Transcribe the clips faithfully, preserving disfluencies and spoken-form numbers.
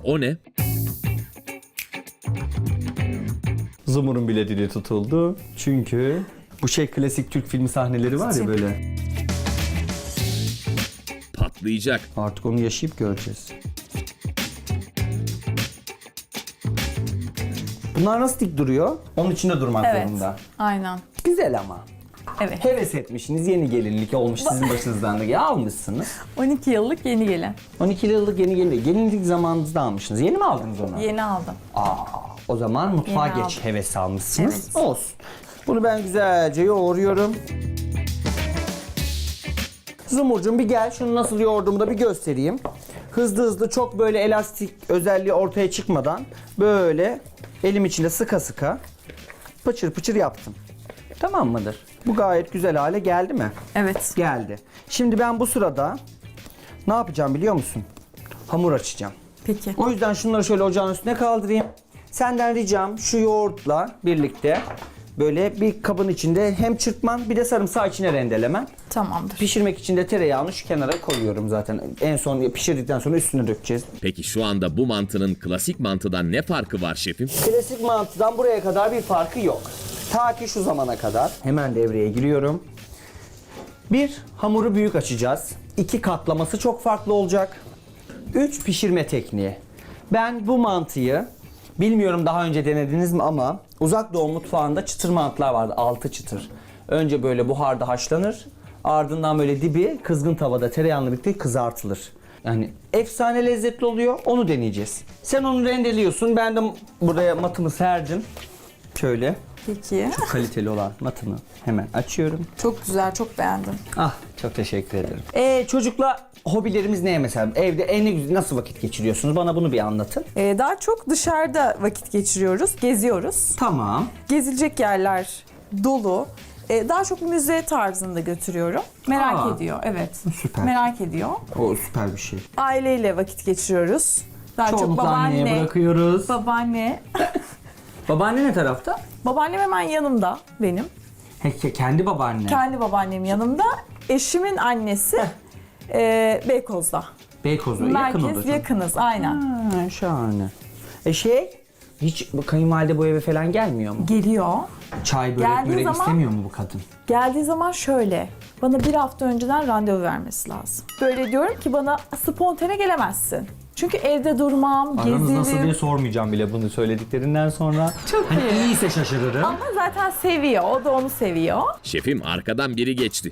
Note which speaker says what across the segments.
Speaker 1: o ne?
Speaker 2: Zumur'un bile dili tutuldu. Çünkü bu şey klasik Türk filmi sahneleri var ya böyle.
Speaker 1: Patlayacak.
Speaker 2: Artık onu yaşayıp göreceğiz. Bunlar nasıl dik duruyor? Onun içinde durmak
Speaker 3: Evet.
Speaker 2: zorunda.
Speaker 3: Aynen.
Speaker 2: Güzel ama.
Speaker 3: Evet.
Speaker 2: Heves etmişsiniz, yeni gelinlik olmuş sizin başınızdan da. Ya almışsınız.
Speaker 3: on iki yıllık yeni gelin.
Speaker 2: on iki yıllık yeni gelinlik. Gelinlik zamanınızda almışsınız. Yeni mi aldınız onu?
Speaker 3: Yeni aldım.
Speaker 2: Aa, o zaman mutfağa
Speaker 3: Yeni
Speaker 2: geç
Speaker 3: aldım.
Speaker 2: heves almışsınız.
Speaker 3: Evet.
Speaker 2: Olsun. Bunu ben güzelce yoğuruyorum. Zumurcuğum bir gel, şunu nasıl yoğurduğumu da bir göstereyim. Hızlı hızlı, çok böyle elastik özelliği ortaya çıkmadan böyle elim içinde sıka sıka pıçır pıçır yaptım. Tamam mıdır? Bu gayet güzel hale geldi mi?
Speaker 3: Evet.
Speaker 2: Geldi. Şimdi ben bu sırada ne yapacağım biliyor musun? Hamur açacağım.
Speaker 3: Peki.
Speaker 2: O yüzden şunları şöyle ocağın üstüne kaldırayım. Senden ricam şu yoğurtla birlikte böyle bir kabın içinde hem çırpman bir de sarımsağı içine rendelemen.
Speaker 3: Tamamdır.
Speaker 2: Pişirmek için de tereyağını şu kenara koyuyorum zaten. En son pişirdikten sonra üstüne dökeceğiz.
Speaker 1: Peki şu anda bu mantının klasik mantıdan ne farkı var şefim?
Speaker 2: Klasik mantıdan buraya kadar bir farkı yok. Ta ki şu zamana kadar. Hemen devreye giriyorum. Bir, hamuru büyük açacağız. İki, katlaması çok farklı olacak. Üç, pişirme tekniği. Ben bu mantıyı, bilmiyorum daha önce denediniz mi ama Uzak Doğu mutfağında çıtır mantılar vardı. Altı çıtır. Önce böyle buharda haşlanır. Ardından böyle dibi kızgın tavada tereyağıyla birlikte kızartılır. Yani efsane lezzetli oluyor. Onu deneyeceğiz. Sen onu rendeliyorsun. Ben de buraya matımı serdim. Şöyle.
Speaker 3: Peki.
Speaker 2: Çok kaliteli olan matımı hemen açıyorum.
Speaker 3: Çok güzel, çok beğendim.
Speaker 2: Ah, çok teşekkür ederim. Ee, çocukla hobilerimiz ne mesela? Evde en güzel nasıl vakit geçiriyorsunuz? Bana bunu bir anlatın.
Speaker 3: Ee, daha çok dışarıda vakit geçiriyoruz, geziyoruz.
Speaker 2: Tamam.
Speaker 3: Gezilecek yerler dolu. Ee, daha çok müze tarzında götürüyorum. Merak
Speaker 2: Aa,
Speaker 3: ediyor, evet.
Speaker 2: süper.
Speaker 3: Merak ediyor.
Speaker 2: O süper bir şey.
Speaker 3: Aileyle vakit geçiriyoruz. Daha çok
Speaker 2: Çoğunlukla anneye
Speaker 3: babaanne,
Speaker 2: bırakıyoruz.
Speaker 3: babaanne.
Speaker 2: Babaanne ne tarafta?
Speaker 3: Babaannem hemen yanımda benim.
Speaker 2: He, kendi babaanne.
Speaker 3: Kendi babaannem yanımda. Eşimin annesi e, Beykoz'da.
Speaker 2: Beykoz'da yakın
Speaker 3: Merkez
Speaker 2: oldu.
Speaker 3: yakınız, aynen.
Speaker 2: Ha, şahane. E şey, hiç bu kayınvalide bu eve falan gelmiyor mu?
Speaker 3: Geliyor.
Speaker 2: Çay börek
Speaker 3: Geldiği
Speaker 2: börek
Speaker 3: zaman-
Speaker 2: istemiyor mu bu kadın?
Speaker 3: Geldiği zaman şöyle, bana bir hafta önceden randevu vermesi lazım. Böyle diyorum ki bana spontane gelemezsin. Çünkü evde durmam,
Speaker 2: Aranız nasıl diye
Speaker 3: gezerim.
Speaker 2: sormayacağım bile bunu söylediklerinden sonra.
Speaker 3: Çok
Speaker 2: hani
Speaker 3: iyi.
Speaker 2: iyiyse şaşırırım.
Speaker 3: Ama zaten seviyor, o da onu seviyor.
Speaker 1: Şefim arkadan biri geçti.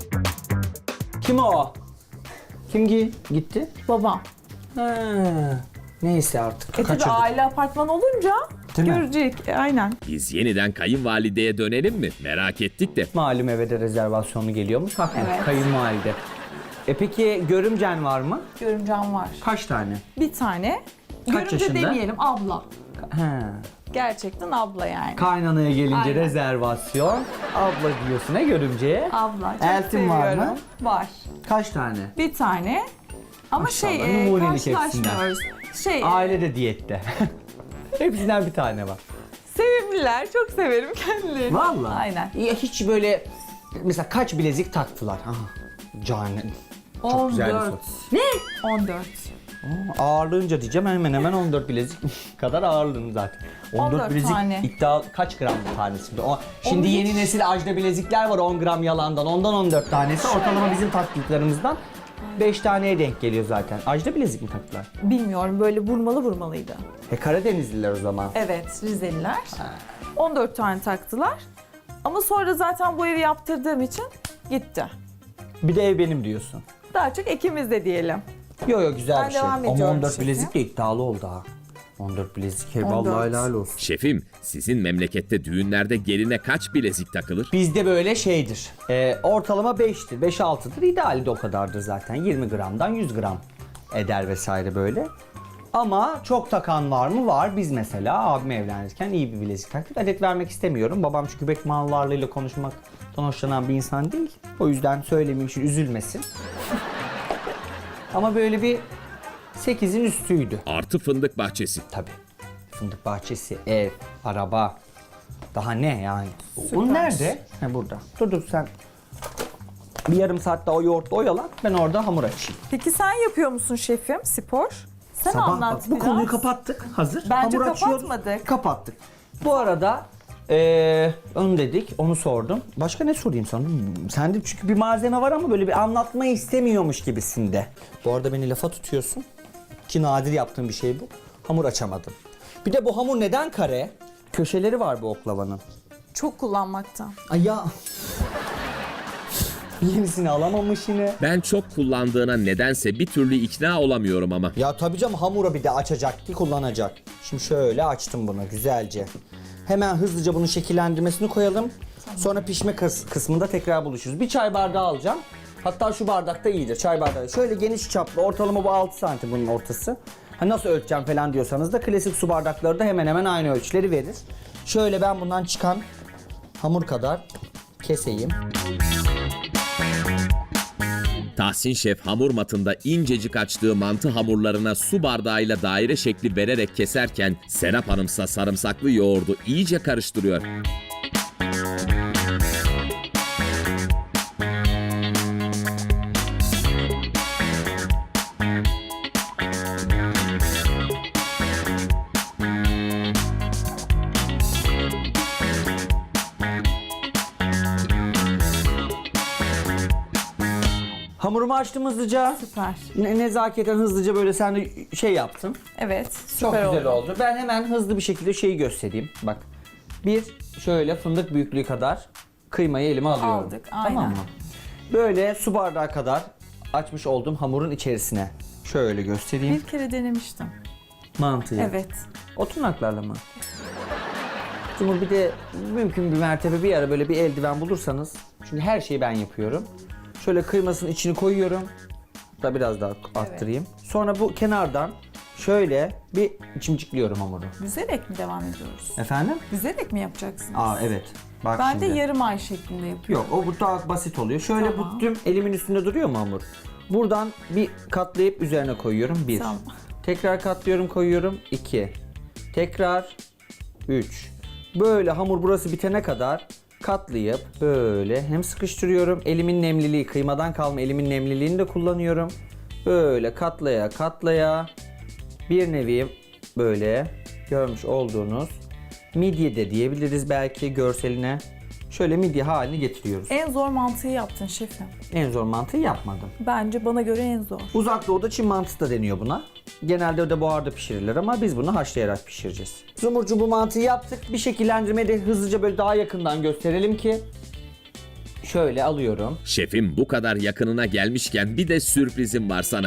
Speaker 2: Kim o? Kim gi- gitti?
Speaker 3: Babam.
Speaker 2: Ha, neyse artık.
Speaker 3: E tabii
Speaker 2: Kaçırdık.
Speaker 3: aile apartman olunca
Speaker 2: Değil mi?
Speaker 3: görecek. E, aynen.
Speaker 1: Biz yeniden kayınvalideye dönelim mi? Merak ettik de.
Speaker 2: Malum eve de rezervasyonu geliyormuş. Haklı.
Speaker 3: Evet.
Speaker 2: Kayınvalide. E peki görümcen var mı?
Speaker 3: Görümcem var.
Speaker 2: Kaç tane?
Speaker 3: Bir tane.
Speaker 2: Kaç
Speaker 3: Görümce
Speaker 2: yaşında?
Speaker 3: demeyelim, abla.
Speaker 2: He.
Speaker 3: Gerçekten abla yani.
Speaker 2: Kaynanaya gelince
Speaker 3: Aynen.
Speaker 2: rezervasyon. Abla diyorsun ha görümceye.
Speaker 3: Abla. Çok
Speaker 2: Eltin var mı?
Speaker 3: seviyorum. Var.
Speaker 2: Kaç tane?
Speaker 3: Bir tane. Ama
Speaker 2: Maşallah,
Speaker 3: şey e,
Speaker 2: numunelik
Speaker 3: karşılaşmıyoruz. Şey
Speaker 2: Aile de diyette. Hepsinden bir tane var.
Speaker 3: sevimliler. Çok severim kendilerini.
Speaker 2: Vallahi.
Speaker 3: Aynen.
Speaker 2: Ya hiç böyle mesela kaç bilezik taktılar? Aha. Cane. Çok güzel bir soru.
Speaker 3: on dört. Ne? on dört.
Speaker 2: Ağırlığınca diyeceğim hemen hemen on dört bilezik kadar ağırlığım zaten. on dört,
Speaker 3: on dört
Speaker 2: bilezik
Speaker 3: tane.
Speaker 2: iddia kaç gram bir tanesi? şimdi? O, şimdi
Speaker 3: Onu
Speaker 2: yeni
Speaker 3: hiç-
Speaker 2: nesil ajda bilezikler var on gram yalandan. Ondan on dört tanesi. Ortalama bizim taktıklarımızdan beş taneye denk geliyor zaten. Ajda bilezik mi taktılar?
Speaker 3: Bilmiyorum, böyle vurmalı vurmalıydı.
Speaker 2: He Karadenizliler o zaman.
Speaker 3: Evet, Rizeliler. on dört tane taktılar. Ama sonra zaten bu evi yaptırdığım için gitti.
Speaker 2: Bir de ev benim diyorsun.
Speaker 3: Daha çok ikimiz de diyelim.
Speaker 2: Yo yo güzel
Speaker 3: Ben
Speaker 2: bir şey.
Speaker 3: devam
Speaker 2: Ama
Speaker 3: ediyorum
Speaker 2: on dört
Speaker 3: şefim.
Speaker 2: bilezik de iddialı oldu ha. on dört bilezik. He,
Speaker 3: on dört.
Speaker 2: vallahi helal olsun.
Speaker 1: Şefim sizin memlekette düğünlerde geline kaç bilezik takılır?
Speaker 2: Bizde böyle şeydir. E, ortalama beştir, beş altıdır. İdeali de o kadardır zaten. yirmi gramdan yüz gram eder vesaire böyle. Ama çok takan var mı? Var. Biz mesela abim evlenirken iyi bir bilezik taktık. Adet vermek istemiyorum. Babam çünkü bek mal varlığıyla konuşmaktan hoşlanan bir insan değil. O yüzden söylemeyeyim için üzülmesin. Ama böyle bir sekizin üstüydü.
Speaker 1: Artı fındık bahçesi.
Speaker 2: Tabii. Fındık bahçesi, ev, araba. Daha ne yani?
Speaker 3: Süper.
Speaker 2: O nerede? Ha burada. Dur dur sen. Bir yarım saatte o yoğurtla oyalan. Ben orada hamur açayım.
Speaker 3: Peki sen yapıyor musun şefim spor? Sen
Speaker 2: Sabah
Speaker 3: anlat
Speaker 2: bak, bu
Speaker 3: biraz.
Speaker 2: konuyu kapattık. Hazır.
Speaker 3: Bence
Speaker 2: Hamur açıyoruz.
Speaker 3: kapatmadık.
Speaker 2: Kapattık. Bu arada eee onu dedik, onu sordum. Başka ne sorayım sana? Hmm, Sende çünkü bir malzeme var ama böyle bir anlatmayı istemiyormuş gibisinde. Bu arada beni lafa tutuyorsun. Ki nadir yaptığım bir şey bu. Hamur açamadım. Bir de bu hamur neden kare? Köşeleri var bu oklavanın.
Speaker 3: Çok kullanmaktan.
Speaker 2: Ay ya. Yenisini alamamış yine.
Speaker 1: Ben çok kullandığına nedense bir türlü ikna olamıyorum ama.
Speaker 2: Ya tabii canım, hamura bir de açacak ki kullanacak. Şimdi şöyle açtım bunu güzelce. Hemen hızlıca bunun şekillendirmesini koyalım. Sonra pişme kıs- kısmında tekrar buluşuruz. Bir çay bardağı alacağım. Hatta şu bardakta iyidir, çay bardağı. Şöyle geniş çaplı, ortalama bu altı santim bunun ortası. Ha nasıl ölçeceğim falan diyorsanız da klasik su bardakları da hemen hemen aynı ölçüleri verir. Şöyle ben bundan çıkan hamur kadar keseyim.
Speaker 1: Tahsin Şef hamur matında incecik açtığı mantı hamurlarına su bardağıyla daire şekli vererek keserken Serap Hanımsa sarımsaklı yoğurdu iyice karıştırıyor.
Speaker 2: Hamurumu açtım hızlıca.
Speaker 3: Süper.
Speaker 2: Ne, nezaketen hızlıca böyle sen de şey yaptın.
Speaker 3: Evet.
Speaker 2: Çok
Speaker 3: Süper
Speaker 2: güzel
Speaker 3: oldu.
Speaker 2: oldu. Ben hemen hızlı bir şekilde şeyi göstereyim. Bak. Bir şöyle fındık büyüklüğü kadar kıymayı elime alıyorum.
Speaker 3: Aldık,
Speaker 2: Tamam
Speaker 3: aynen.
Speaker 2: mı? Böyle su bardağı kadar açmış olduğum hamurun içerisine şöyle göstereyim.
Speaker 3: Bir kere denemiştim.
Speaker 2: Mantıyı.
Speaker 3: Evet.
Speaker 2: O tırnaklarla mı? Cumhur bir de mümkün bir mertebe bir ara böyle bir eldiven bulursanız. Çünkü her şeyi ben yapıyorum. Şöyle kıymasının içini koyuyorum. Da biraz daha arttırayım. Sonra bu kenardan şöyle bir çimcikliyorum hamuru.
Speaker 3: Büzerek mi devam ediyoruz?
Speaker 2: Efendim?
Speaker 3: Büzerek mi yapacaksınız?
Speaker 2: Aa evet. Bak
Speaker 3: Ben
Speaker 2: şimdi.
Speaker 3: de yarım ay şeklinde yapıyorum.
Speaker 2: Yok, o bu daha basit oluyor. Şöyle
Speaker 3: Tamam.
Speaker 2: büktüm, elimin üstünde duruyor mu hamur? Buradan bir katlayıp üzerine koyuyorum. Bir.
Speaker 3: Tamam.
Speaker 2: Tekrar katlıyorum, koyuyorum. İki. Tekrar. Üç. Böyle hamur burası bitene kadar katlayıp böyle hem sıkıştırıyorum. Elimin nemliliği, kıymadan kalma elimin nemliliğini de kullanıyorum. Böyle katlaya katlaya bir nevi böyle görmüş olduğunuz midye de diyebiliriz belki görseline. Şöyle midye halini getiriyoruz.
Speaker 3: En zor mantıyı yaptın şefim.
Speaker 2: En zor mantıyı yapmadım.
Speaker 3: Bence bana göre en zor.
Speaker 2: Uzak Doğu'da Çin mantısı da deniyor buna. Genelde de buharda pişirilir ama biz bunu haşlayarak pişireceğiz. Zumurcuğum, bu mantıyı yaptık. Bir şekillendirmeyi de hızlıca böyle daha yakından gösterelim ki. Şöyle alıyorum.
Speaker 1: Şefim bu kadar yakınına gelmişken bir de sürprizim var sana.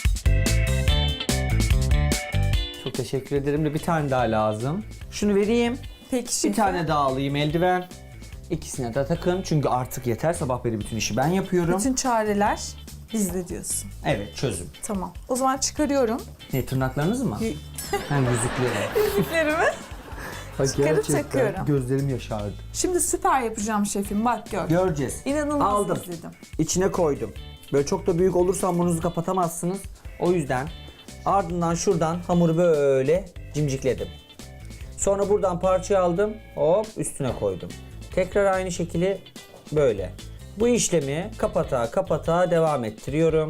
Speaker 2: Çok teşekkür ederim de bir tane daha lazım. Şunu vereyim.
Speaker 3: Peki
Speaker 2: Bir
Speaker 3: şefim.
Speaker 2: tane daha alayım eldiven. İkisine de takın çünkü artık yeter, sabah beri bütün işi ben yapıyorum.
Speaker 3: Bütün çareler bizde diyorsun.
Speaker 2: Evet, çözüm.
Speaker 3: Tamam. O zaman çıkarıyorum.
Speaker 2: Ne, tırnaklarınız mı?
Speaker 3: Y-
Speaker 2: Hem yüzükleri.
Speaker 3: Yüzüklerimi.
Speaker 2: Ay,
Speaker 3: Çıkarıp
Speaker 2: gerçekten
Speaker 3: takıyorum.
Speaker 2: Gözlerim yaşardı.
Speaker 3: Şimdi süper yapacağım şefim. Bak gör.
Speaker 2: Göreceğiz.
Speaker 3: İnanılmaz
Speaker 2: Aldım.
Speaker 3: izledim.
Speaker 2: İçine koydum. Böyle çok da büyük olursa hamurunuzu kapatamazsınız. O yüzden ardından şuradan hamuru böyle cimcikledim. Sonra buradan parçayı aldım. Hop üstüne koydum. Tekrar aynı şekilde böyle. Bu işlemi kapata kapata devam ettiriyorum.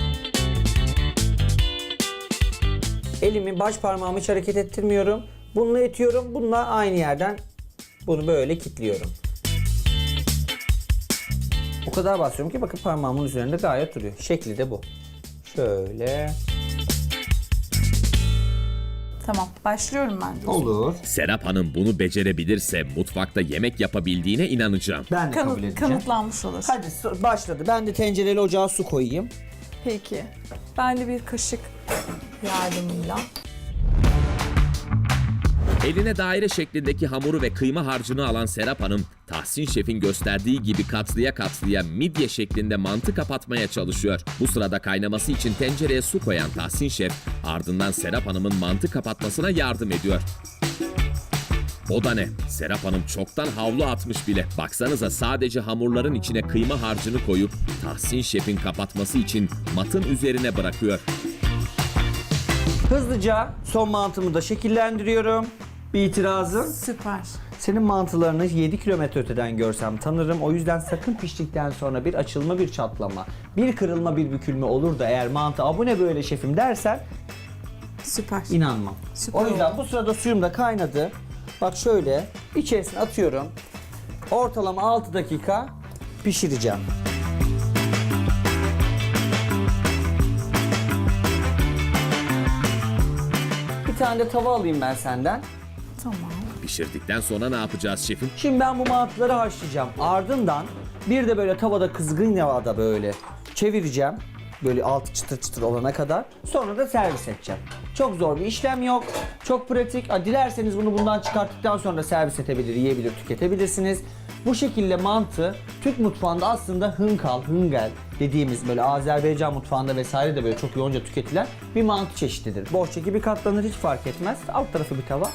Speaker 2: Elimi, baş parmağımı hiç hareket ettirmiyorum. Bununla itiyorum. Bununla aynı yerden bunu böyle kilitliyorum. O kadar basıyorum ki bakın parmağımın üzerinde gayet duruyor. Şekli de bu. Şöyle.
Speaker 3: Tamam. Başlıyorum ben de.
Speaker 2: Olur.
Speaker 1: Serap Hanım bunu becerebilirse mutfakta yemek yapabildiğine inanacağım.
Speaker 2: Ben de kabul
Speaker 3: Kanıt,
Speaker 2: edeceğim.
Speaker 3: kanıtlanmış olur.
Speaker 2: Hadi so- başladı. Ben de tencereli ocağa su koyayım.
Speaker 3: Peki. Ben de bir kaşık yardımıyla.
Speaker 1: Eline daire şeklindeki hamuru ve kıyma harcını alan Serap Hanım, Tahsin Şef'in gösterdiği gibi katlıya katlıya midye şeklinde mantı kapatmaya çalışıyor. Bu sırada kaynaması için tencereye su koyan Tahsin Şef, ardından Serap Hanım'ın mantı kapatmasına yardım ediyor. O da ne? Serap Hanım çoktan havlu atmış bile. Baksanıza sadece hamurların içine kıyma harcını koyup Tahsin Şef'in kapatması için matın üzerine bırakıyor.
Speaker 2: Hızlıca son mantımı da şekillendiriyorum. Bir itirazım.
Speaker 3: Süper.
Speaker 2: Senin mantılarını yedi kilometre öteden görsem tanırım. O yüzden sakın piştikten sonra bir açılma, bir çatlama, bir kırılma, bir bükülme olur da eğer mantı "Aa, bu ne böyle şefim" dersen
Speaker 3: Süper.
Speaker 2: İnanmam.
Speaker 3: Süper
Speaker 2: O yüzden
Speaker 3: oldu.
Speaker 2: bu sırada suyum da kaynadı. Bak şöyle içerisine atıyorum. Ortalama altı dakika pişireceğim. Bir tane de tava alayım ben senden.
Speaker 3: Tamam.
Speaker 1: Pişirdikten sonra ne yapacağız şefim?
Speaker 2: Şimdi ben bu mantıları haşlayacağım. Ardından bir de böyle tavada kızgın yağda böyle çevireceğim. Böyle altı çıtır çıtır olana kadar. Sonra da servis edeceğim. Çok zor bir işlem yok. Çok pratik. Ha, dilerseniz bunu bundan çıkarttıktan sonra da servis edebilir, yiyebilir, tüketebilirsiniz. Bu şekilde mantı Türk mutfağında aslında hınkal, hıngel dediğimiz böyle Azerbaycan mutfağında vesaire de böyle çok yoğunca tüketilen bir mantı çeşididir. Bohça gibi katlanır, hiç fark etmez. Alt tarafı bir tava.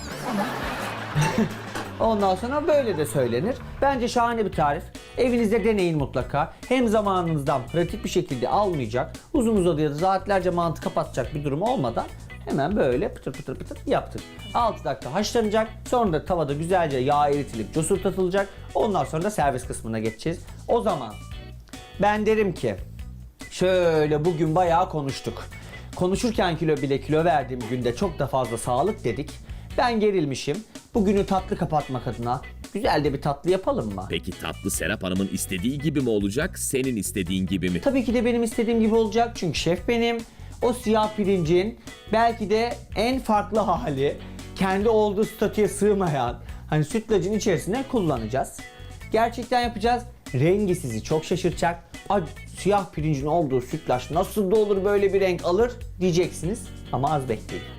Speaker 2: Ondan sonra böyle de söylenir. Bence şahane bir tarif. Evinizde deneyin mutlaka. Hem zamanınızdan pratik bir şekilde almayacak, uzun uzadıya saatlerce mantı kapatacak bir durum olmadan hemen böyle pıtır pıtır pıtır yaptık. altı dakika haşlanacak. Sonra da tavada güzelce yağ eritilip cosurtatılacak. Ondan sonra da servis kısmına geçeceğiz. O zaman ben derim ki şöyle bugün bayağı konuştuk. Konuşurken kilo bile kilo verdiğim günde çok da fazla sağlık dedik. Ben gerilmişim. Bugünü tatlı kapatmak adına güzel de bir tatlı yapalım mı?
Speaker 1: Peki tatlı Serap Hanım'ın istediği gibi mi olacak, senin istediğin gibi mi?
Speaker 2: Tabii ki de benim istediğim gibi olacak çünkü şef benim. O siyah pirincin belki de en farklı hali, kendi olduğu statüye sığmayan hani sütlacın içerisine kullanacağız. Gerçekten yapacağız. Rengi sizi çok şaşırtacak. Ay, siyah pirincin olduğu sütlaç nasıl da olur böyle bir renk alır diyeceksiniz ama az bekleyin.